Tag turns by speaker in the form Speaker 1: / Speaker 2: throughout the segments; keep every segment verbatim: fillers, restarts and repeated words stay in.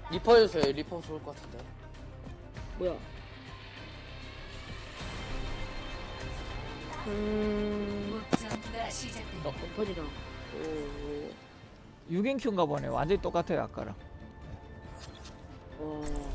Speaker 1: 리퍼 해주세요. 리퍼 좋을 것 같은데.
Speaker 2: 뭐야? 음. 어, 엎어지라. 오.
Speaker 3: 육 인 큐인가 보네. 완전히 똑같아요 아까랑.
Speaker 2: 어.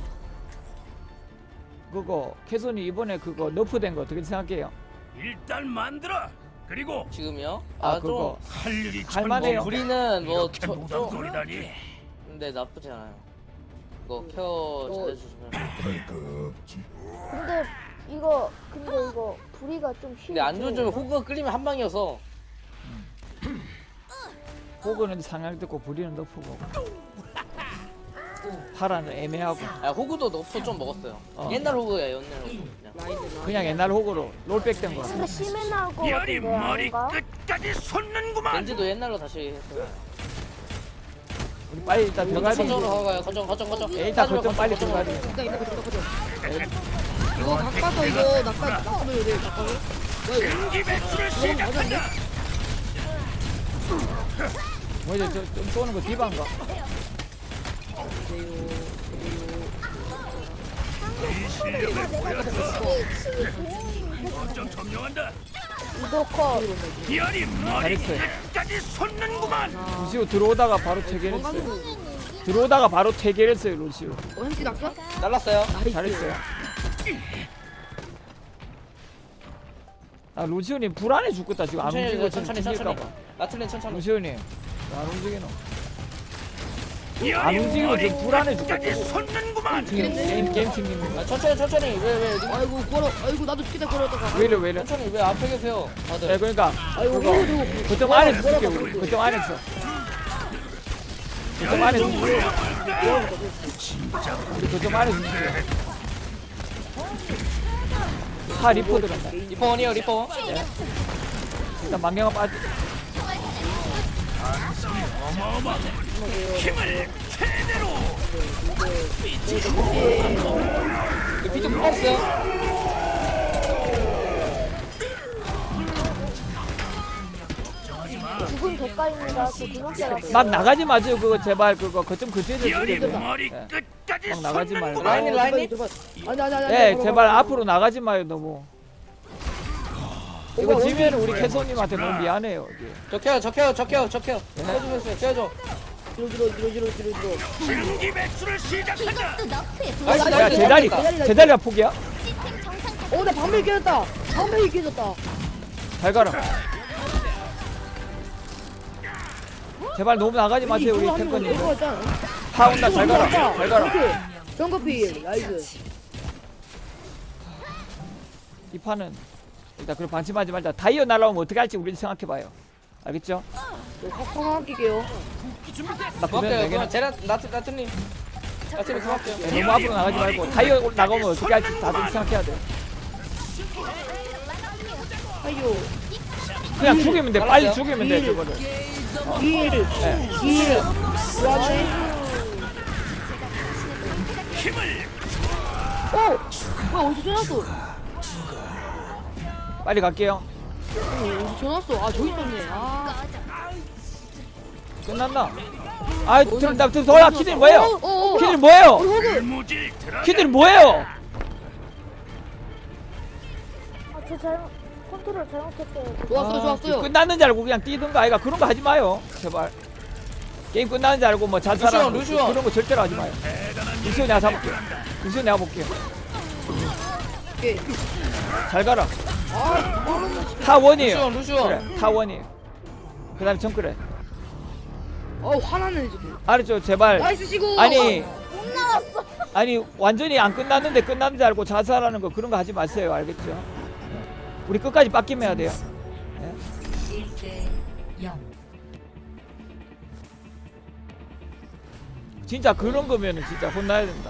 Speaker 3: 그거 캐손이 이번에 그거 너프된 거 어떻게 생각해요?
Speaker 4: 일단 만들어. 그리고
Speaker 1: 지금요?
Speaker 3: 아,
Speaker 1: 아,
Speaker 3: 그거
Speaker 1: 좀.
Speaker 4: 할 일이
Speaker 3: 할만해요.
Speaker 4: 천국이다.
Speaker 1: 우리는 뭐,
Speaker 4: 이렇게
Speaker 1: 저, 좀.
Speaker 4: 무덤돌이다니.
Speaker 1: 근데 나쁘지 않아요. 이거 케어 잘해주시면.
Speaker 5: 근데 이거 근데 이거 부리가 좀 쉬워.
Speaker 1: 근데 안 좋으면 호그가 끌리면 한 방이어서.
Speaker 3: 호그는 상향 듣고 부리는 너프고. 파라는 애매하고.
Speaker 1: 아, 호그도 너프 좀 먹었어요.
Speaker 3: 어.
Speaker 1: 옛날 호그예요, 옛날 호그. 그냥.
Speaker 2: 라이드 라이드.
Speaker 3: 그냥 옛날 호그로 롤백 된 거.
Speaker 5: 근데 심해 나올 것
Speaker 4: 열이
Speaker 5: 같은데
Speaker 4: 머리
Speaker 5: 아닌가?
Speaker 4: 끝까지 솟는구만.
Speaker 1: 렌즈도 옛날로 다시 했어요.
Speaker 3: 우리 빨리 일단 들어가야 돼.
Speaker 1: 거점으로 가가요. 거점, 거점, 거점.
Speaker 3: 예, 일단
Speaker 1: 따지면
Speaker 3: 거점 빨리
Speaker 1: 거점,
Speaker 3: 들어가야 돼.
Speaker 2: 일단 이거 거죠 거죠. 이거 닭가서 이거 낙가 낙가면 돼 닭가서. 뭐야 이거?
Speaker 4: 이 배출을
Speaker 2: 이거
Speaker 4: 시작한다.
Speaker 2: 맞았네?
Speaker 3: 뭐지 저좀 쏘는 거 디바인가?
Speaker 4: 이 실력을 보여줘. 어쩜 점령한다.
Speaker 5: 이도커
Speaker 4: 열이 머리
Speaker 3: 잘했어요.
Speaker 4: 끝까지 솟는구만.
Speaker 3: 루시오 들어오다가 바로 체결했어요. 들어오다가 바로 체결했어요 루시오.
Speaker 2: 어 햄찌 낙가?
Speaker 1: 날랐어요.
Speaker 3: 잘했어요. 아 루시오님 불안해 죽겠다 지금 안
Speaker 1: 천천히,
Speaker 3: 움직이고
Speaker 1: 천천히,
Speaker 3: 지금
Speaker 1: 천천히.
Speaker 3: 죽일까봐.
Speaker 1: 라틀린 천천히.
Speaker 3: 루시오님 안 움직이노. 안
Speaker 4: 열이
Speaker 3: 움직이고
Speaker 4: 머리
Speaker 3: 지금 불안해
Speaker 4: 끝까지
Speaker 3: 죽겠다.
Speaker 4: 솟는구만.
Speaker 3: 지금 게임 게임 팀님
Speaker 1: 아, 천천히, 천천히. 왜, 왜, 왜,
Speaker 2: 아이고 걸어. 아이고 나도 죽겠다 걸었다가.
Speaker 3: 왜 이래 왜 이래?
Speaker 1: 천천히. 왜 앞에 계세요? 다들.
Speaker 3: 네 그러니까
Speaker 2: 아이고
Speaker 3: 그거
Speaker 2: 이거
Speaker 3: 거점 안에서 줄게 우리 거점 안에서. 거점 안에서 줄게. 우리 거점 안에서 줄게. 파 리포 들어간다.
Speaker 1: 리퍼 원이요, 리퍼.
Speaker 3: 일단 만경아 빠지.
Speaker 4: 어마어마. 힘을 최대로.
Speaker 1: 그 비트 뽑았어요.
Speaker 5: 죽은 대가입니다. 저 그만짜리.
Speaker 3: 막 나가지 마세요 그거 제발 그거 거점 그대로
Speaker 4: 열이
Speaker 3: 줄게.
Speaker 4: 머리
Speaker 3: 네.
Speaker 4: 끝까지
Speaker 3: 막 나가지 말고.
Speaker 4: 솟는구만.
Speaker 1: 라인이, 라인이.
Speaker 2: 아니 아니 아니.
Speaker 3: 네 제발 앞으로 나가지 마요 너무. 이거 지면 우리 캐소님한테 너무 미안해요. 이게.
Speaker 1: 적혀요, 적혀요, 적혀요, 적혀요.
Speaker 3: 네.
Speaker 1: 해주세요, 해줘.
Speaker 2: 뒤로 뒤로 뒤로 뒤로 뒤로 뒤로.
Speaker 4: 신기 배출을 시작한다.
Speaker 1: 나이스,
Speaker 3: 야
Speaker 1: 나이스.
Speaker 3: 제자리
Speaker 1: 잘했다.
Speaker 3: 제자리가 포기야?
Speaker 2: 어나 방패 깨졌다. 방패 깨졌다.
Speaker 3: 잘 가라. 제발 너무 나가지 마세요 우리 탱커님. 파 온다 잘 가라 잘 가라.
Speaker 2: 정커피 나이스.
Speaker 3: 이 판은 일단 그럼 방심하지 말자. 다이어 날라오면 어떻게 할지 우리 생각해봐요. 알겠죠?
Speaker 2: 확확 아낄게요.
Speaker 3: 나 그러면
Speaker 1: 고맙게요.
Speaker 3: 되겠나?
Speaker 1: 그럼 제라, 나트, 나트님. 나트님 고맙게요.
Speaker 3: 네, 너무 앞으로 나가지 말고 다이어 나가면 어떻게 할지 다들 생각해야 돼.
Speaker 2: 아이요.
Speaker 3: 그냥 죽이면 돼. 빨리
Speaker 1: 알았어요.
Speaker 3: 죽이면 돼 저거를.
Speaker 2: 길.
Speaker 3: 네.
Speaker 2: 길. 그렇지.
Speaker 4: 힘을
Speaker 2: 어! 뭐야 어디서 전화 왔어?
Speaker 3: 빨리 갈게요.
Speaker 2: 어디서 전화 왔어? 아 저기 있었네. 아.
Speaker 3: 끝났나? 아, 저, 나, 저, 돌아, 키들 뭐예요?
Speaker 2: 어, 어, 어.
Speaker 3: 키들 뭐예요?
Speaker 4: 무질 들어가.
Speaker 3: 키들 뭐예요?
Speaker 5: 아저 잘못 컨트롤 잘못했어요.
Speaker 2: 좋았어요 좋았어요.
Speaker 3: 끝났는 줄 알고 그냥 뛰든가 아이가 그런 거 하지 마요. 제발. 게임 끝나는 줄 알고 뭐 자살하는 거,
Speaker 1: 루시오, 루시오.
Speaker 3: 그런 거 절대로 하지 마요. 루시오 내가 잡을게. 루시오 내가 볼게요.
Speaker 2: 오케이.
Speaker 3: 잘 가라.
Speaker 2: 아,
Speaker 3: 타원이에요.
Speaker 1: 루시오, 루시오.
Speaker 3: 그래, 타원이에요. 그 다음에 정크래.
Speaker 2: 어 화나네 지금.
Speaker 3: 알았죠? 제발.
Speaker 2: 나이스 시고.
Speaker 3: 아니,
Speaker 5: 못 나왔어.
Speaker 3: 아니, 완전히 안 끝났는데 끝났는 줄 알고 자살하는 거 그런 거 하지 마세요. 알겠죠? 우리 끝까지 빡김해야 돼요. 진짜 그런 거면은 진짜 혼나야 된다.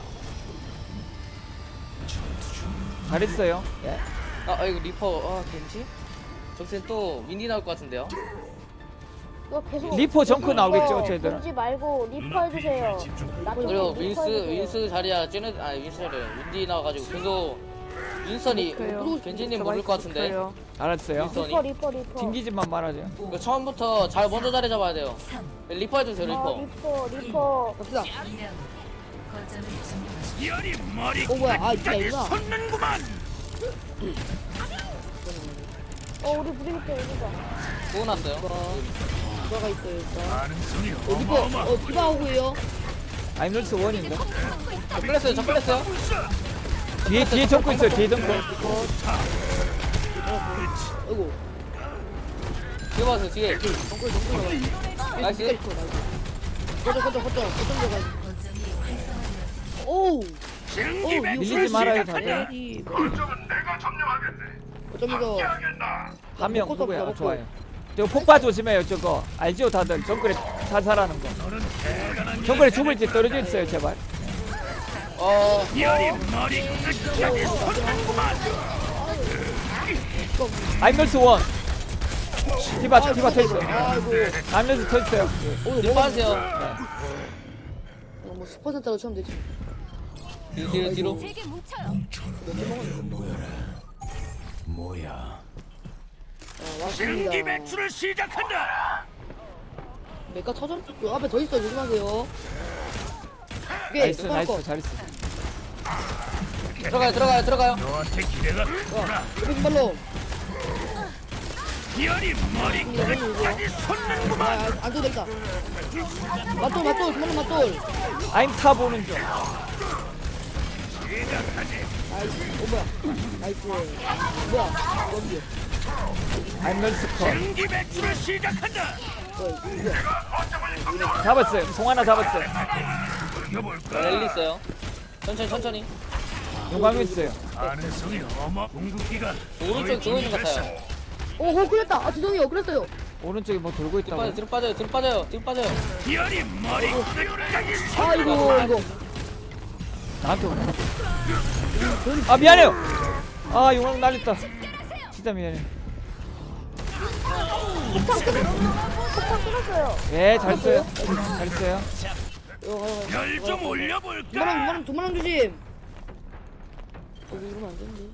Speaker 3: 잘했어요. 예.
Speaker 1: 아, 아, 이거 리퍼, 아, 겐지? 저기서 또 윈디 나올 것 같은데요?
Speaker 5: 이거 계속
Speaker 3: 리퍼 정크
Speaker 5: 계속
Speaker 3: 나오겠죠,
Speaker 5: 이거
Speaker 3: 쟤들은.
Speaker 5: 던지 말고 리퍼 해주세요. 나중에
Speaker 1: 그리고
Speaker 5: 리퍼
Speaker 1: 윈스,
Speaker 5: 해주세요.
Speaker 1: 윈스 자리야, 쟤네, 아, 윈스 자리야. 윈디 나와가지고 계속 윈선이, 겐지님 모를 것 같은데.
Speaker 3: 알았어요.
Speaker 1: 윈선이.
Speaker 5: 리퍼 리퍼 리퍼.
Speaker 3: 튕기지만 말하죠.
Speaker 1: 이거 처음부터 잘 먼저 자리 잡아야 돼요. 리퍼 해주세요,
Speaker 5: 아
Speaker 1: 리퍼.
Speaker 5: 리퍼 리퍼.
Speaker 2: 갑시다.
Speaker 4: 열이 머리
Speaker 2: 어, 뭐야. 아, 진짜
Speaker 4: 끝까지
Speaker 2: 이거야.
Speaker 4: 솟는구만.
Speaker 5: 어 우리 브리기테 여기다.
Speaker 1: 구워 놨어요.
Speaker 2: 누가가 있어요 일단.
Speaker 4: 가능성이
Speaker 2: 어 리퍼
Speaker 4: 어마어마.
Speaker 2: 어 디바 오고요.
Speaker 3: 아임널스 원인가?
Speaker 1: 저 끌렸어요. 저 끌렸어요.
Speaker 3: 뒤에 뒤에 정크 있어요. 뒤에 정크.
Speaker 2: 아이고.
Speaker 1: 뒤에 봐서 뒤에.
Speaker 2: 정글 정글 나가.
Speaker 1: 나이스.
Speaker 2: 리퍼 나이스. 거점 거점 거점 거점 들어가. 오우.
Speaker 4: 증기
Speaker 2: 어,
Speaker 4: 배출을
Speaker 3: 밀리지 말아요,
Speaker 4: 시작한다.
Speaker 2: 이
Speaker 4: 거점은 내가 점령하겠네.
Speaker 2: 거점에서
Speaker 3: 한 명
Speaker 2: 먹고
Speaker 3: 누구야?
Speaker 2: 먹고.
Speaker 3: 좋아요. 저 폭파 조심해요. 저거 알죠 다들 정글에 살살하는 거.
Speaker 4: 너는 대단한
Speaker 3: 정글에 죽을지 떨어져 있어요 제발.
Speaker 1: 어.
Speaker 4: 열이 머리 끝까지 솟는구만.
Speaker 3: 아임널스 원. 디바
Speaker 2: 아,
Speaker 3: 디바 터있어.
Speaker 2: 아이고.
Speaker 3: 아임널스 터있어요.
Speaker 2: 오늘
Speaker 1: 뒤로
Speaker 2: 뭐
Speaker 1: 빠지세요.
Speaker 2: 어, 뭐 십 퍼센트로 치면 되지.
Speaker 1: 뒤로 뒤로 뒤로.
Speaker 2: 아,
Speaker 4: 증기
Speaker 2: 왔습니다.
Speaker 4: 배출을 시작한다.
Speaker 2: 메카 터져? 그 앞에 더 있어 조심하세요. 오케이
Speaker 3: 나이스
Speaker 2: 메카
Speaker 3: 나이스
Speaker 2: 거.
Speaker 3: 잘했어.
Speaker 1: 들어가요 들어가요 들어가요.
Speaker 4: 너한테 기대가 크구나.
Speaker 2: 여기 발로.
Speaker 4: 열이 머리 끝까지 솟는구만.
Speaker 2: 아안 도 되겠다. 맞돌 맞돌 그만 맞돌.
Speaker 3: 아임 타 보는 중.
Speaker 4: 시작하지.
Speaker 2: 나이스. 어 뭐야? 나이스. 뭐야? 원기.
Speaker 3: 아임널스 컷.
Speaker 4: 증기 배출을 시작한다.
Speaker 2: 뭐야? 뭐야?
Speaker 3: 잡았어요. 송 하나 잡았어요.
Speaker 4: 이겨볼까?
Speaker 1: 랠리 있어요. 천천히 천천히.
Speaker 3: 용광로 있어요.
Speaker 4: 가능성이 어마. 궁극기가
Speaker 1: 오른쪽 저거 있는 것 같아요.
Speaker 2: 오, 호 그랬다. 아 죄송해요. 그랬어요.
Speaker 3: 오른쪽에 뭐 돌고
Speaker 1: 뒤로 빠져
Speaker 3: 있다고.
Speaker 1: 뒤로 빠져요 뒤로 빠져요 뒤로 빠져요.
Speaker 4: 열이 머리 끝까지
Speaker 2: 아이고
Speaker 4: 솟는구만.
Speaker 2: 이거.
Speaker 3: 나한테 오네. 아 미안해요. 아 용광로 날렸다. 진짜 미안해.
Speaker 5: 폭탄 끊었어요.
Speaker 3: 예 잘했어요. 잘했어요.
Speaker 2: 이거 가요.
Speaker 4: 열 좀
Speaker 2: 두마랑
Speaker 4: 올려볼까?
Speaker 2: 두마랑 두마랑 조심. 어 이러면 안 되는데.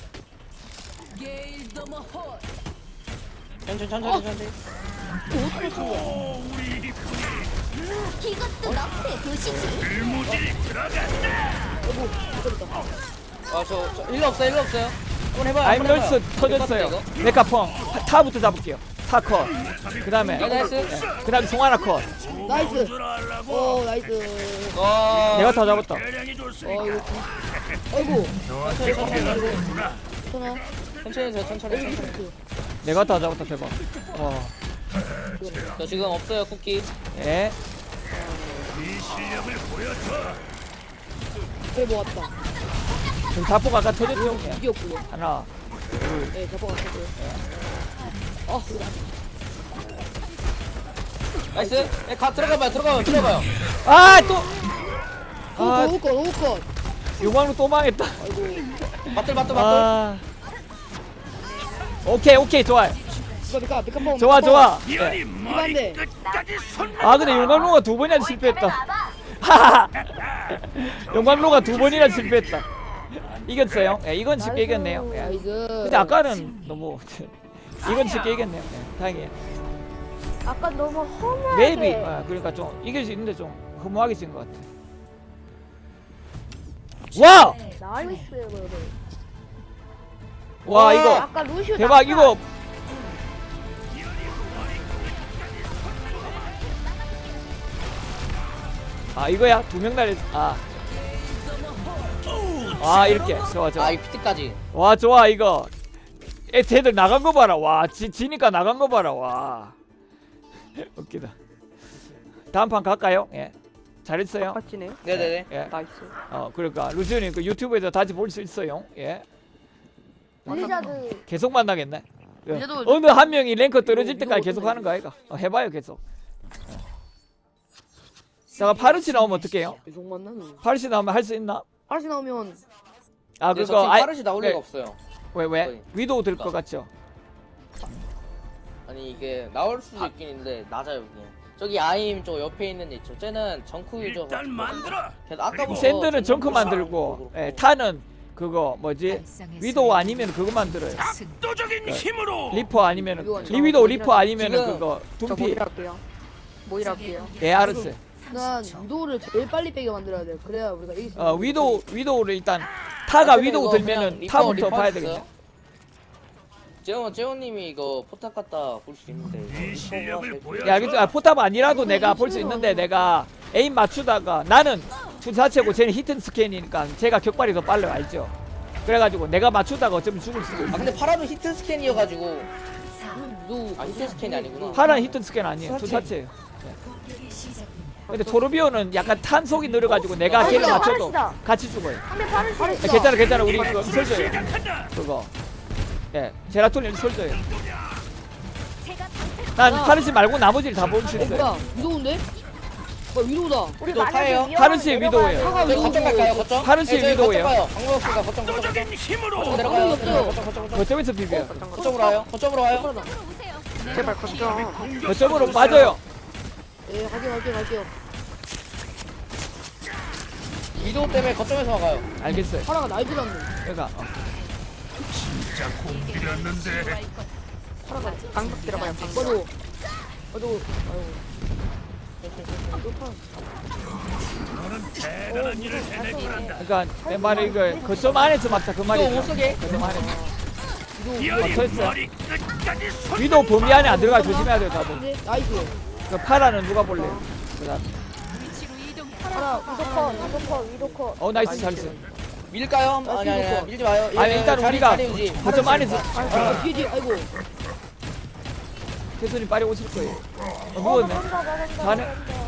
Speaker 1: 천천히 천천히 천천히.
Speaker 2: 어떻게 친 거야?
Speaker 4: 오, 우리 이쁜이
Speaker 6: 이것도 너의 도시지.
Speaker 4: 불무질 들어간다.
Speaker 2: 아이고 그랬다.
Speaker 1: 아저 저 일로 없어요 일로 없어요. 한번 해봐요. 한번
Speaker 3: 아임널스
Speaker 1: 해봐요.
Speaker 3: 터졌어요.
Speaker 1: 이거?
Speaker 3: 메카펑 타부터 잡을게요. 타 컷. 그 다음에
Speaker 1: 네, 나이스.
Speaker 3: 그 다음에 송 하나 컷.
Speaker 2: 나이스.
Speaker 4: 줄 알라고.
Speaker 2: 오 나이스.
Speaker 1: 어.
Speaker 3: 내가 다 잡았다.
Speaker 4: 대량이
Speaker 2: 어
Speaker 4: 좋으니까.
Speaker 2: 이거. 아이고.
Speaker 4: 너한테 기대가 크구나.
Speaker 2: 천하.
Speaker 1: 천천히 해주세요 천천히
Speaker 2: 여기
Speaker 1: 천천히.
Speaker 2: 있어.
Speaker 3: 내가 다 잡았다 대박. 와.
Speaker 1: 저 지금 없어요 쿠키.
Speaker 3: 예.
Speaker 4: 이 실력을 보여줘.
Speaker 2: 그래 모았다.
Speaker 3: 지금 자포가 아까 터졌죠? 예.
Speaker 2: 이겼고요.
Speaker 3: 하나.
Speaker 2: 네 잡아가 쳤고요. 아 이거
Speaker 1: 나이스. 예, 가 들어가봐요 들어가봐요 들어가봐요.
Speaker 3: 아 또.
Speaker 2: 오
Speaker 3: 아
Speaker 2: 너무 컷 너무 컷.
Speaker 3: 용광로 또 망했다.
Speaker 2: 아이고.
Speaker 1: 맞들 맞들 맞들.
Speaker 3: 아. 오케이 오케이 좋아요.
Speaker 2: 이거 메카 메카 펑.
Speaker 3: 좋아 좋아. 예.
Speaker 4: 열이 머리
Speaker 2: 이반대.
Speaker 4: 끝까지 솟는.
Speaker 3: 아 근데 용광로가 두 번이나 실패했다. 하하. 용광로가 두 번이나 실패했다. 이겼어요. 예, 이건 쉽게 이겼네요. 예.
Speaker 2: 나이스.
Speaker 3: 근데 아까는 너무 이건 쉽게 이겼네요. 예, 다행이에요.
Speaker 5: 아까 너무 허무하게.
Speaker 3: 맵이 아, 그러니까 좀 이길 수 있는데 좀 허무하게 진 것 같아. 와!
Speaker 5: 나이스 그래.
Speaker 3: 와 이거
Speaker 5: 아까 루시오
Speaker 3: 대박
Speaker 5: 낙하.
Speaker 3: 이거 아 이거야 두 명 날렸 아. 아 이렇게 좋아 좋아.
Speaker 1: 아 이 피트까지.
Speaker 3: 와 좋아 이거 애 쟤들 나간 거 봐라. 와 지, 지니까 나간 거 봐라. 와 웃기다. 다음 판 갈까요? 예 잘했어요.
Speaker 2: 맞지네요.
Speaker 1: 네네네.
Speaker 3: 예.
Speaker 2: 나이스.
Speaker 3: 어 그러니까 루시온이 그 유튜브에서 다시 볼 수 있어요. 예
Speaker 5: 블리자드.
Speaker 3: 계속 만나겠네. 예.
Speaker 2: 이제도-
Speaker 3: 어느 한 명이 랭크 떨어질
Speaker 2: 이거-
Speaker 3: 때까지
Speaker 2: 이거
Speaker 3: 계속 하는 거 아이가? 어, 해봐요 계속. 예. 제가 파르시 나오면 어떡해요?
Speaker 2: 계속 만나는.
Speaker 3: 파르시 나오면 할 수 있나?
Speaker 2: 아시 나오면
Speaker 3: 아
Speaker 1: 근데 저
Speaker 3: 그거
Speaker 1: 지금
Speaker 3: 아이-
Speaker 1: 빠르시 나올
Speaker 3: 네.
Speaker 1: 리가 없어요.
Speaker 3: 왜 왜?
Speaker 1: 거의.
Speaker 3: 위도우 될 것 같죠?
Speaker 1: 아니 이게 나올 수도 있긴 있는데 낮아요 여기. 저기 아임 저 옆에 있는 애 있죠. 쟤는 정크 유저.
Speaker 4: 일단 만들어.
Speaker 1: 걔도 아까부터
Speaker 3: 샌드는 정크
Speaker 1: 정크
Speaker 3: 만들고
Speaker 1: 그렇고.
Speaker 3: 예, 타는 그거 뭐지? 위도우 아니면 그거 만들어요.
Speaker 4: 압도적인 힘으로.
Speaker 3: 리퍼 아니면
Speaker 2: 위도우 아니면-
Speaker 3: 리위도우 리퍼 아니면
Speaker 1: 지금
Speaker 3: 그거
Speaker 2: 저
Speaker 3: 둠피.
Speaker 2: 모이랄게요. 모이랄게요.
Speaker 3: 예 알았어요.
Speaker 2: 일단 위도우를 제일 빨리 빼게 만들어야 돼요. 그래야 우리가 이길 수 있어요.
Speaker 3: 어 위도우 위도우를 일단 타가
Speaker 1: 근데
Speaker 3: 위도우
Speaker 1: 이거
Speaker 3: 들면은
Speaker 1: 그냥 리퍼,
Speaker 3: 타부터
Speaker 1: 리퍼
Speaker 3: 봐야
Speaker 1: 했어요?
Speaker 3: 되겠네.
Speaker 1: 재원 재원님이 이거 포탑 갖다 볼 수 있는데
Speaker 4: 이
Speaker 1: 이거
Speaker 4: 실력을
Speaker 1: 리퍼가
Speaker 4: 보여.
Speaker 3: 야 알겠죠? 아, 포탑 아니라도 내가 볼 수 있는데 내가 에임 맞추다가 나는 투 자체고 쟤는 히튼 스캔이니까 제가 격발이 더 빨라요 알죠? 그래가지고 내가 맞추다가 어쩌면 죽을 수도
Speaker 1: 아
Speaker 3: 있어.
Speaker 1: 근데 파라도 히트 스캔이어가지고
Speaker 2: 위도우
Speaker 1: 아 히트 스캔이 아니구나.
Speaker 3: 파란 히튼 스캔 아니에요. 투 자체예요. 근데 토르비오는 약간 탄속이 느려가지고 내가 걔를
Speaker 5: 파르시다,
Speaker 3: 맞춰도
Speaker 5: 파르시다.
Speaker 3: 같이 죽어요.
Speaker 5: 상대 파르시.
Speaker 3: 야, 괜찮아 괜찮아 우리 그거 설줘요
Speaker 4: 시작한다.
Speaker 3: 그거. 예 제라톨린 설줘요. 난 파르시 말고 나머지를 다 볼 수
Speaker 2: 어
Speaker 3: 있어요.
Speaker 2: 뭐야 위도우인데? 뭐야 위도우다.
Speaker 5: 우리
Speaker 1: 또 타예요?
Speaker 5: 만약에
Speaker 3: 파르시의
Speaker 5: 위험하면
Speaker 3: 위도우예요.
Speaker 5: 내려가야
Speaker 1: 저희
Speaker 5: 돼요.
Speaker 1: 거점 갈까요 거점?
Speaker 3: 파르시의
Speaker 1: 네, 저희
Speaker 3: 위도우예요.
Speaker 1: 거점 가요. 방금 없으니까 거점 거점 거점.
Speaker 4: 압도적인 힘으로.
Speaker 1: 거점 내려가요.
Speaker 2: 방금 없어요.
Speaker 1: 거점 거점 거점.
Speaker 3: 거점에서 비벼요.
Speaker 1: 거점으로 와요. 거점으로 와요.
Speaker 2: 빠르다.
Speaker 6: 제발 걱정.
Speaker 3: 거점으로 빠져요.
Speaker 2: 예 갈게요 갈게요 갈게요.
Speaker 1: 위도우 때문에 거점에서 막아요.
Speaker 3: 알겠어요.
Speaker 2: 파라가 날 들었네.
Speaker 3: 그러니까 어.
Speaker 4: 진짜 공들였는데.
Speaker 2: 파라가
Speaker 6: 방벽 들어가요. 방벽.
Speaker 2: 맞아. 맞아. 아이고.
Speaker 4: 너는 대단한 일을 해낼 거란다.
Speaker 3: 그러니까 내 말이 이거 거점 안에서 막자 그
Speaker 1: 위도우
Speaker 3: 말이죠.
Speaker 1: 못 쓰게.
Speaker 3: 거점 안에서.
Speaker 4: 비열이
Speaker 3: 서 있어요.
Speaker 4: 머리 끝까지 손.
Speaker 3: 위도 범위 안에 안 들어가 조심해야 돼요 다들.
Speaker 2: 근데 나이스.
Speaker 3: 그 파라는 누가 볼래요? 그다음.
Speaker 5: 파라 위도커 위도커 위도커.
Speaker 3: 어 나이스 잘했어.
Speaker 1: 밀까요? 아니 아니 아니 밀지 마요.
Speaker 3: 아니
Speaker 1: 예,
Speaker 3: 일단
Speaker 1: 자리,
Speaker 3: 우리가
Speaker 1: 자리 유지.
Speaker 3: 거점 안에서
Speaker 2: 아 뒤에 뒤에 아이고.
Speaker 3: 태순이 빨리 오실 거예요. 어,
Speaker 5: 어
Speaker 3: 누웠네.
Speaker 5: 나간다 나간다.
Speaker 3: 가네.
Speaker 5: 나간다.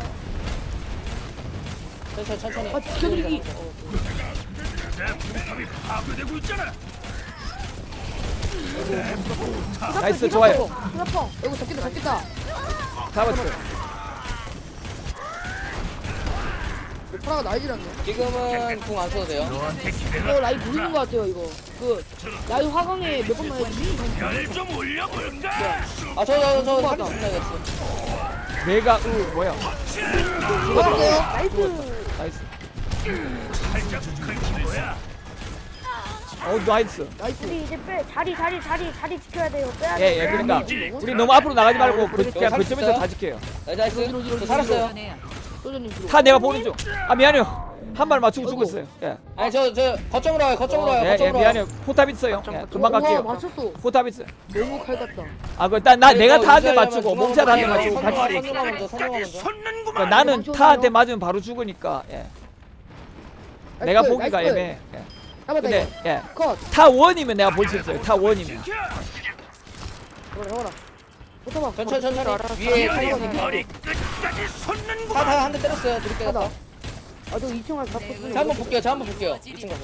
Speaker 1: 천천히 천천히.
Speaker 2: 아 지켜드리기.
Speaker 4: 내 포탑이 파괴되고 있잖아.
Speaker 3: 나이스 좋아요.
Speaker 5: 휴대폰.
Speaker 2: 아이고 잡겠다 잡겠다.
Speaker 3: 잡았어요.
Speaker 2: 파라가 날 들었네.
Speaker 1: 지금은 궁 안 써도 돼요.
Speaker 4: 너한테
Speaker 2: 이거
Speaker 4: 기대가
Speaker 2: 라이 보이는 것 같아요 이거. 그 라이 화강에 몇 번만 해주지.
Speaker 4: 별좀 올려볼까?
Speaker 1: 아 저 저 저
Speaker 2: 궁
Speaker 1: 살릴
Speaker 2: 받아.
Speaker 1: 수 있나 이랬어.
Speaker 3: 내가 으 뭐야?
Speaker 2: 죽었어요.
Speaker 5: 나이스.
Speaker 3: 나이스.
Speaker 4: 살짝 긁힌 거야.
Speaker 3: 어 나이스.
Speaker 2: 나이스.
Speaker 5: 우리 이제 빼 자리 자리 자리 자리 지켜야 돼요. 빼야 돼.
Speaker 3: 예예
Speaker 5: 빼야 돼.
Speaker 3: 그러니까 우리 너무 앞으로 나가지 말고 그, 그냥
Speaker 1: 살
Speaker 3: 거점에서
Speaker 1: 있어요?
Speaker 3: 다 지켜요.
Speaker 1: 네, 나이스 나이스.
Speaker 2: 뒤로, 뒤로,
Speaker 1: 저
Speaker 2: 뒤로,
Speaker 1: 살았어요.
Speaker 2: 소전님 뒤로.
Speaker 3: 타 내가 보는 중. 아 미안해요. 한 발 맞추고
Speaker 2: 아이고.
Speaker 3: 죽었어요. 예.
Speaker 1: 아니 저 저 거점으로 와요. 거점으로 와요.
Speaker 3: 예, 예
Speaker 1: 거점으로 와요.
Speaker 3: 미안해요. 포탑 있어요. 예, 금방
Speaker 2: 와
Speaker 3: 갈게요.
Speaker 2: 맞췄어.
Speaker 3: 포탑 있어요.
Speaker 2: 너무 칼 같다.
Speaker 3: 아, 그, 나, 나, 내가
Speaker 1: 이거
Speaker 3: 타한테
Speaker 1: 유지하려면
Speaker 3: 맞추고,
Speaker 1: 중앙으로
Speaker 3: 몸살 한대
Speaker 1: 가요.
Speaker 3: 맞추고
Speaker 1: 선수가
Speaker 3: 같이.
Speaker 1: 선수가 먼저 선수가
Speaker 4: 끝까지
Speaker 1: 먼저.
Speaker 4: 솟는구만.
Speaker 3: 그러니까 나는
Speaker 2: 엄청
Speaker 3: 타한테
Speaker 2: 좋아요.
Speaker 3: 맞으면 바로 죽으니까, 예. 내가
Speaker 2: 나이스,
Speaker 3: 보기가
Speaker 2: 나이스.
Speaker 3: 애매해. 예.
Speaker 2: 잡았다
Speaker 3: 근데,
Speaker 2: 이거.
Speaker 3: 예.
Speaker 2: 컷.
Speaker 3: 타 원이면 내가 볼 수 있어요. 타 원이면.
Speaker 2: 잡아라 잡아라. 붙어봐.
Speaker 1: 천천히 천천히. 위에
Speaker 4: 비열이
Speaker 1: 타이거니까.
Speaker 4: 머리 끝까지 솟는구만.
Speaker 1: 타타 한 대 때렸어요. 둘이
Speaker 2: 하다.
Speaker 1: 깨졌다.
Speaker 2: 아저 이 층 가서 잡고 쓰는
Speaker 1: 자 한번 볼게요. 자 한번 볼게요. 이 층 가서.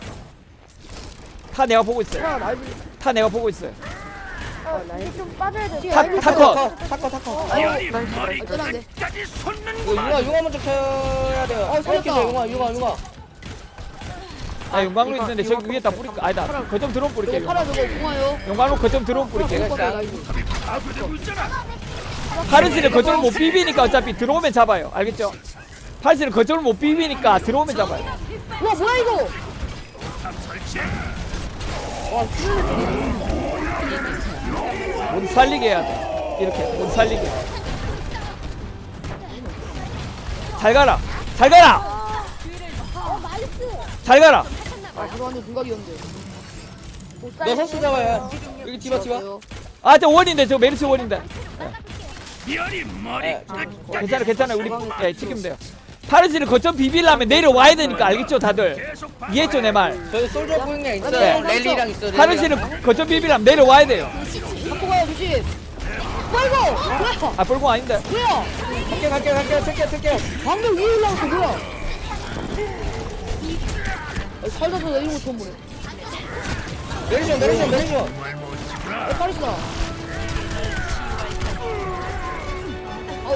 Speaker 3: 타 내가 보고 있어요.
Speaker 2: 파라 날
Speaker 3: 타 내가 보고 있어요.
Speaker 5: 어, 이제 좀 빠져야 돼.
Speaker 2: 타-
Speaker 5: 빠져야 돼.
Speaker 3: 타커.
Speaker 1: 타커 타커.
Speaker 4: 비열이 머리
Speaker 2: 아, 쩌는데.
Speaker 4: 끝까지
Speaker 1: 이거
Speaker 4: 솟는구만.
Speaker 1: 융화 융화 먼저 켜야 돼요.
Speaker 2: 어, 살렸다.
Speaker 1: 켜주세요, 융화 융화 융화.
Speaker 3: 아, 용광로
Speaker 6: 이거-
Speaker 3: 있는데
Speaker 6: 이거
Speaker 3: 저기 위에다 뿌릴까? 아니다. 거점 들어온 뿌릴게요.
Speaker 2: 저거 파라 저거 공화요.
Speaker 3: 용광로 거점 들어온 뿌릴게요.
Speaker 1: 내가
Speaker 2: 파라
Speaker 1: 진짜-
Speaker 2: 나이스.
Speaker 4: 파괴되고 있잖아.
Speaker 3: 파르시를 거점을 못 비비니까 어차피 들어오면 잡아요. 알겠죠? 파르시를 거점을 못 비비니까 들어오면 잡아요.
Speaker 2: 와 뭐야 이거?
Speaker 4: 탑 설치.
Speaker 3: 못 살리게 해야 돼. 이렇게 못 살리게. 잘 가라. 잘 가라. 잘 가라.
Speaker 2: 아 들어왔는데 불각이었는데.
Speaker 5: 못
Speaker 1: 너
Speaker 5: 살리게.
Speaker 1: 선수 잡아요. 여기 디바 디바.
Speaker 3: 아, 저 원인데 저 메르시 원인데.
Speaker 4: 비열이 머리
Speaker 1: 네,
Speaker 4: 끝까지
Speaker 3: 괜찮아, 괜찮아. 우리 예, 지키면 돼요. 파르시를 거점 비비려면 내려와야 되니까 알겠죠, 다들?
Speaker 4: 계속
Speaker 3: 이해했죠, 내 말?
Speaker 1: 저희 솔저 보잉량 있어요.
Speaker 3: 네.
Speaker 1: 랠리랑 있어요. 랠리랑.
Speaker 3: 파르시를 거점 비비려면 내려와야 돼요.
Speaker 2: 갖고 가요 조심. 뭐야 이거? 뭐야?
Speaker 3: 아, 뻘공 아닌데.
Speaker 2: 뭐야?
Speaker 1: 갈게 갈게 갈게 쓸게 쓸게.
Speaker 2: 방금 위에 올라왔어 뭐야? 아, 살다서 나 이런 거 처음 보네.
Speaker 1: 메리션 메리션 메리션.
Speaker 2: 아 빠르시다. 아우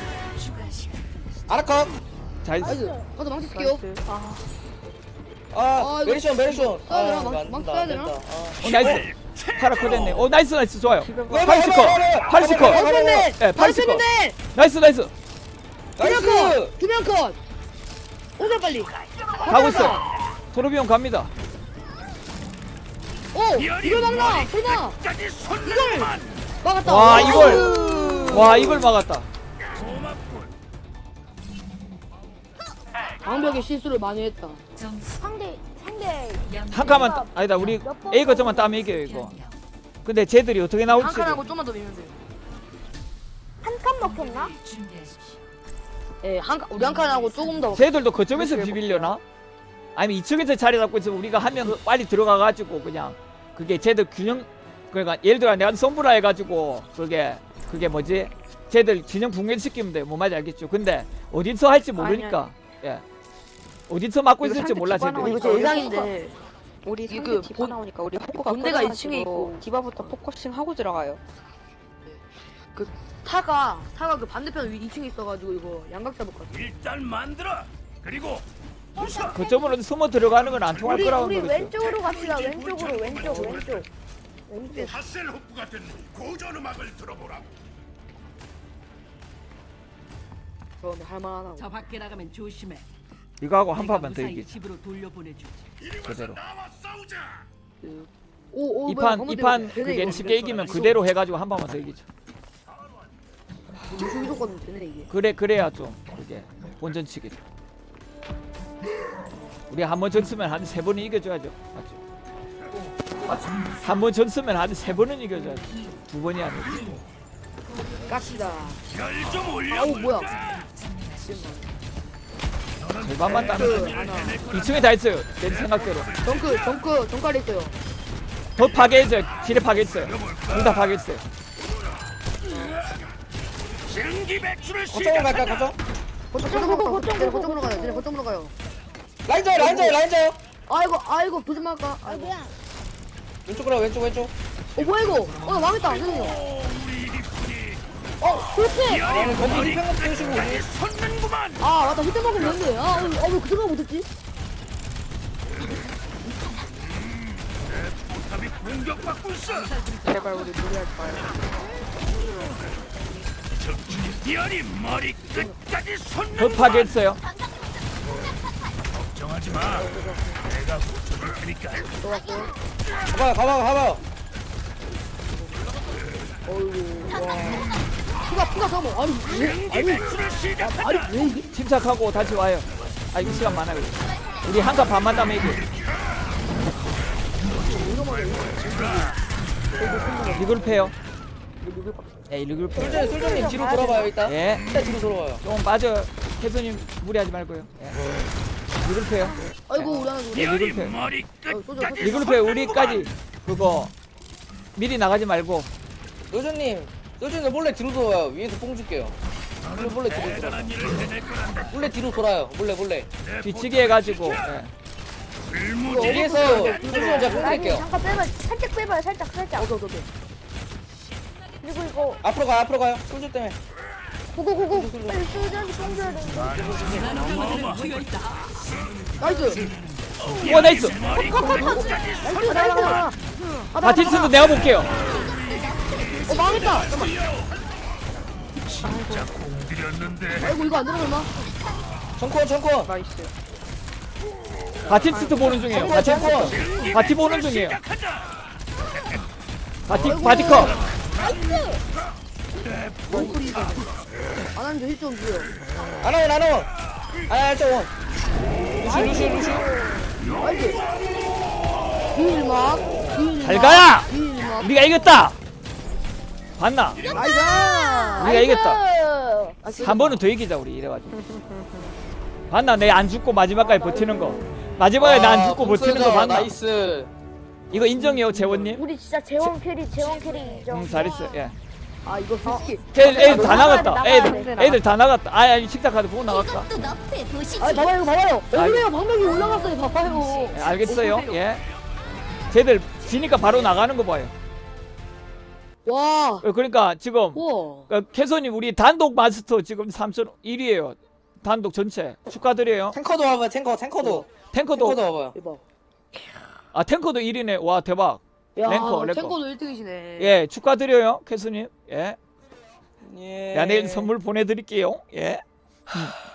Speaker 1: 아라카.
Speaker 3: 잘
Speaker 2: 나이스. 가서 망치 쓸게요.
Speaker 5: 아,
Speaker 1: 아
Speaker 2: 아, 이거
Speaker 1: 메리션 메리션.
Speaker 2: 써야 되나?
Speaker 1: 아,
Speaker 2: 막-
Speaker 1: 안
Speaker 2: 막
Speaker 1: 된다,
Speaker 2: 써야
Speaker 1: 안
Speaker 2: 되나?
Speaker 1: 된다. 아.
Speaker 3: 어, 나이스. 파라코 됐네. 어, 나이스, 나이스. 좋아요.
Speaker 1: 해봐,
Speaker 3: 팔십 컷.
Speaker 1: 해봐, 해봐.
Speaker 3: 팔십 컷.
Speaker 1: 해봐, 해봐, 해봐.
Speaker 2: 네,
Speaker 3: 예, 팔십 컷.
Speaker 2: 네.
Speaker 3: 나이스, 나이스.
Speaker 2: 두명
Speaker 1: 나이스.
Speaker 2: 컷. 두명 컷. 오늘 빨리.
Speaker 3: 가고 있어요. 토르비온 갑니다.
Speaker 2: 오
Speaker 4: 비열이
Speaker 2: 이걸 막나.
Speaker 4: 머리
Speaker 2: 설마
Speaker 4: 끝까지 솟는구만.
Speaker 2: 막았다.
Speaker 3: 와,
Speaker 2: 나이스.
Speaker 3: 이걸. 와, 이걸 막았다.
Speaker 4: 고맙군.
Speaker 2: 방벽에 실수를 많이 했다.
Speaker 5: 상대 상대
Speaker 3: 한 칸만 따- 아니다 우리 A 거점만 따면 이겨요 이거. 근데 쟤들이 어떻게 나올지.
Speaker 2: 한 칸하고 좀만 더 밀면 돼요.
Speaker 5: 한 칸 먹혔나?
Speaker 2: 예, 한 칸, 우리 한 칸하고 조금 더.
Speaker 3: 쟤들도 거점에서 비빌려나? 아니면 이쪽에서 자리 잡고 있으면 우리가 하면 빨리 들어가가지고 그냥 그게 쟤들 균형 그러니까 예를 들어 내가 손브라 해가지고 그게 그게 뭐지? 쟤들 균형 붕괴시키면 돼. 뭐 말인지 알겠죠? 근데 어디서 할지 모르니까 예 어디서 막고 있을지 몰라 쟤들.
Speaker 6: 이거 제 예상인데 우리
Speaker 2: 이거
Speaker 6: 상대
Speaker 2: 그
Speaker 6: 디바
Speaker 2: 본-
Speaker 6: 나오니까 우리 호구가
Speaker 2: 본대가 이
Speaker 6: 꺼져가지고
Speaker 2: 층에 있고.
Speaker 6: 디바부터 포커싱 하고 들어가요.
Speaker 2: 타가 타가 그 반대편 위 이 층에 있어가지고 이거 양각 잡을 것 같아.
Speaker 4: 일단 만들어. 그리고 부숴.
Speaker 3: 거점으로 숨어 들어가는 건 안 통할
Speaker 5: 우리
Speaker 3: 거라고
Speaker 5: 우리
Speaker 3: 그러죠.
Speaker 5: 왼쪽으로 갑시다. 왼쪽으로 왼쪽 왼쪽 왼쪽.
Speaker 4: 하셀호프 같은 고전 음악을 들어보라.
Speaker 2: 저 근데 할만하나.
Speaker 7: 저 밖에 나가면 조심해.
Speaker 3: 이거 하고 한
Speaker 7: 내가
Speaker 3: 판만 더
Speaker 7: 무사히
Speaker 3: 이기자.
Speaker 7: 집으로 돌려보내주지.
Speaker 4: 이리 와서
Speaker 3: 그대로.
Speaker 4: 나와 싸우자.
Speaker 2: 오오
Speaker 3: 이판 이판 그게 쉽게 이기면 그대로 해가지고 한 판만 더 이기자.
Speaker 2: 무슨 무조건 되네 이게.
Speaker 3: 그래 그래야 좀 그게 본전치기죠. 우리 한 번 졌으면 한 세 번은 이겨줘야죠. 맞죠? 맞죠? 한 번 졌으면 한 세 번은 이겨줘야죠. 두 번이 아니고.
Speaker 2: 깝시다.
Speaker 4: 열좀
Speaker 2: 아우 뭐야?
Speaker 4: 올려볼까?
Speaker 3: 절반만 따면
Speaker 2: 그
Speaker 3: 돼요.
Speaker 2: 하나.
Speaker 3: 이 층에 다 있어요. 내 생각대로.
Speaker 2: 덩크 덩크 덩크리 있어요.
Speaker 3: 더 파괴했어요. 지뢰 파괴했어요. 둘 다 파괴했어요.
Speaker 4: 신기 배출을
Speaker 8: 거점으로 갈까
Speaker 4: 시작한다.
Speaker 8: 거점?
Speaker 2: 거점으로 가요. 쟤네 거점으로 가요. 쟤네 거점으로 가요.
Speaker 8: 라인저 라인저 라인저
Speaker 2: 아이고 아이고 도전 말까? 아이고.
Speaker 8: 왼쪽으로 왼쪽 왼쪽
Speaker 2: 어 뭐야 이거? 어 망했다. 죄송해요.
Speaker 4: 오, 우리 이리뿐이
Speaker 2: 어 그렇지.
Speaker 8: 아니 거기 힐평 떼시고
Speaker 4: 끝까지 솟는구만.
Speaker 2: 아 맞다 히트 먹으면 되는데. 아왜그 생각 못했지?
Speaker 4: 포탑이 공격받고 있어.
Speaker 6: 제발 우리 무리하지 마요.
Speaker 4: 열이 머리 끝까지
Speaker 3: 더
Speaker 4: 솟는구만.
Speaker 3: 파괴했어요.
Speaker 4: 걱정하지 마. 내가 고쳐줄 테니까.
Speaker 8: 가봐요 가봐요 가봐요
Speaker 2: 피가 피가 사모. 아니 왜?
Speaker 4: 신기 배출을 시작한다.
Speaker 2: 아니 왜 이게?
Speaker 3: 침착하고 다시 와요. 아 이거 시간 많아요. 우리 한 칸 반만 따면 이겨. 리그룹 해요. 예, 리그룹 해요.
Speaker 8: 솔전님 솔전님 뒤로 돌아봐요 일단
Speaker 3: 예,
Speaker 8: 일단 뒤로 돌아봐요
Speaker 3: 좀 빠져. 캐서님 무리하지 말고요. 예. 리그룹 해요.
Speaker 2: 아이고 우리 하나 우리.
Speaker 4: 열이
Speaker 3: 리그룹 해요.
Speaker 4: 머리 끝까지
Speaker 3: 리그룹 해요. 우리까지 그거 미리 나가지 말고.
Speaker 8: 솔전님 솔전님 몰래 뒤로 돌아와요 위에서 뽕 줄게요 몰래 몰래 뒤로 돌아
Speaker 4: 대단한 일을 해낼 거란다.
Speaker 8: 몰래 뒤로 돌아요 몰래 몰래
Speaker 3: 뒤치기 해가지고. 예.
Speaker 4: 불무지.
Speaker 8: 위에서 솔전님 제가 뽕
Speaker 5: 아니
Speaker 8: 드릴게요
Speaker 5: 잠깐 빼봐. 살짝 빼봐요. 살짝 살짝.
Speaker 2: 오케이 오케이 오케이.
Speaker 5: 그리고 이거
Speaker 8: 앞으로 가요 앞으로 가요 솔전 때문에
Speaker 5: 고고고고 빨리 소주한테 뽕 줘야 되는데.
Speaker 7: 튀어 있다.
Speaker 2: 나이스.
Speaker 3: 와 나이스.
Speaker 4: 머리 끝까지
Speaker 2: 나이스 나이스.
Speaker 3: 바티스도 내가 볼게요.
Speaker 2: 어 망했다. 잠깐만.
Speaker 4: 진짜 공들였는데.
Speaker 2: 아이고 이거 안 들어갈마?
Speaker 8: 정권 정권
Speaker 6: 나이스.
Speaker 3: 바티스트 보는 중이에요.
Speaker 8: 정권
Speaker 3: 바티스트.
Speaker 8: 정권
Speaker 3: 바티 보는 중이에요.
Speaker 4: 시작하자.
Speaker 3: 바티 바티커.
Speaker 2: 안 하는 게 좀 줘요.
Speaker 8: 안원 안원 아저원 루시 루시 루시
Speaker 2: 나이스. 딜막. 딜막.
Speaker 3: 잘 가라.
Speaker 2: 딜막.
Speaker 3: 우리가 이겼다. 봤나?
Speaker 2: 나이스.
Speaker 3: 우리가 이겼다. 한 번은 더 이기자 우리 이래가지고. 봤나? 내 안 죽고 마지막까지 버티는 거. 마지막에 나 안 죽고 버티는 거 봤나?
Speaker 8: 나이스
Speaker 3: 이거 인정해요 재원님.
Speaker 5: 우리 진짜 재원 캐리 재원 캐리 인정.
Speaker 3: 응 잘했어. 예.
Speaker 2: 아 이거 솔직히.
Speaker 3: 애들, 애들 다
Speaker 5: 나가야 돼,
Speaker 3: 나갔다.
Speaker 5: 나가야
Speaker 3: 애들
Speaker 5: 돼.
Speaker 3: 애들 다 나갔다. 아 아니 식사 카드 보고 나갔다.
Speaker 2: 아 봐봐요 이거 봐봐요. 얼마나 방벽이 올라갔어요. 봐봐요.
Speaker 3: 예, 알겠어요. 예. 쟤들 지니까 바로 나가는 거 봐요.
Speaker 2: 와.
Speaker 3: 어, 그러니까 지금
Speaker 2: 와.
Speaker 3: 어, 캐서님 우리 단독 마스터 지금 삼천 일 위에요. 단독 전체 축하드려요.
Speaker 8: 탱커도 와봐요 탱커 탱커도
Speaker 3: 탱커도
Speaker 8: 탱커도 와봐요
Speaker 2: 대박.
Speaker 3: 아 탱커도 일 위네. 와 대박.
Speaker 2: 야,
Speaker 3: 랭커, 랭커.
Speaker 2: 탱커도 일 등이시네.
Speaker 3: 예 축하드려요 캐서님. 예.
Speaker 8: 예
Speaker 3: 야 내일 선물 보내드릴게요. 예. 음.